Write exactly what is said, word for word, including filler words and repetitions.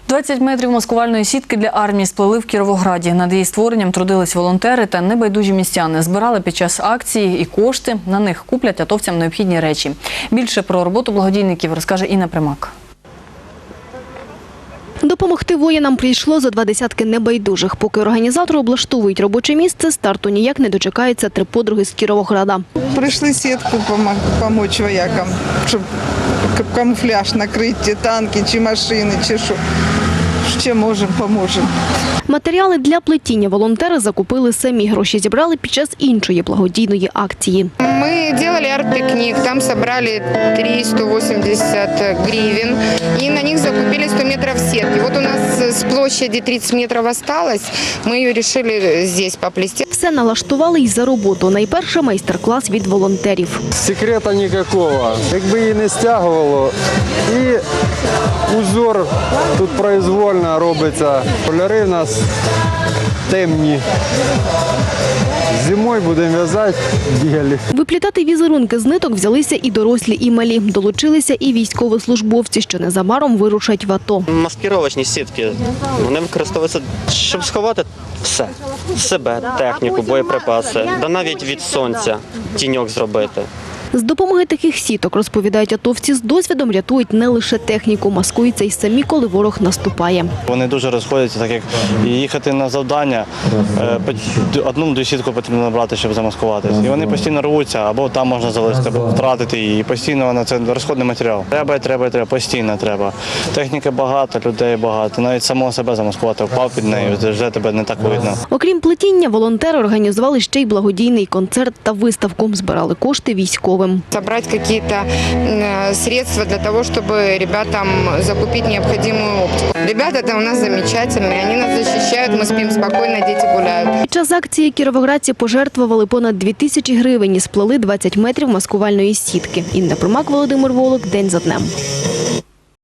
двадцять метрів маскувальної сітки для армії сплели в Кіровограді. Над її створенням трудились волонтери та небайдужі містяни. Збирали під час акції і кошти. На них куплять атовцям необхідні речі. Більше про роботу благодійників розкаже Інна Примак. Допомогти воїнам прийшло за два десятки небайдужих. Поки організатори облаштовують робоче місце, старту ніяк не дочекаються три подруги з Кіровограда. Прийшли сітку допомогти воякам, щоб камуфляж накрити, танки чи машини, чи що. Ще можемо, поможемо. Матеріали для плетіння волонтери закупили самі. Гроші зібрали під час іншої благодійної акції. Ми робили арт-пікнік, там зібрали триста вісімдесят гривень і на них закупили сто метрів сітки. От у нас з площади тридцять метрів залишилось, ми її вирішили тут поплести. Все налаштували й за роботу. Найперше майстер-клас від волонтерів. Секрета ніякого. Якби її не стягувало, і узор тут произвольно робиться. Кольори в нас темні. Зимою будемо в'язати білі. Виплітати візерунки з ниток взялися і дорослі, і малі. Долучилися і військовослужбовці, що незабаром вирушать в АТО. Маскировочні сітки, вони використовуються, щоб сховати все. Себе, техніку, боєприпаси, да навіть від сонця тіньок зробити. З допомоги таких сіток, розповідають атовці, з досвідом рятують не лише техніку, маскуються й самі, коли ворог наступає. Вони дуже розходяться, так як їхати на завдання, одну-дві сітку потрібно набрати, щоб замаскуватися. І вони постійно рвуться, або там можна залишити, або втратити її. І постійно вона це розходний матеріал. Треба, треба, треба, постійно треба. Техніки багато, людей багато. Навіть самого себе замаскувати, впав під нею, вже тебе не так видно. Окрім плетіння, волонтери організували ще й благодійний концерт та виставку. Збирали кошти військовим. Собрать какие-то средства для того, чтобы ребятам закупить необходимую оптику. Ребята там у нас замечательные, они нас защищают, мы спим спокойно, дети гуляют. Під час акції кіровоградці пожертвували понад дві тисячі гривень і сплели двадцять метрів маскувальної сітки. Інна Примак, Володимир Волок. День за днем.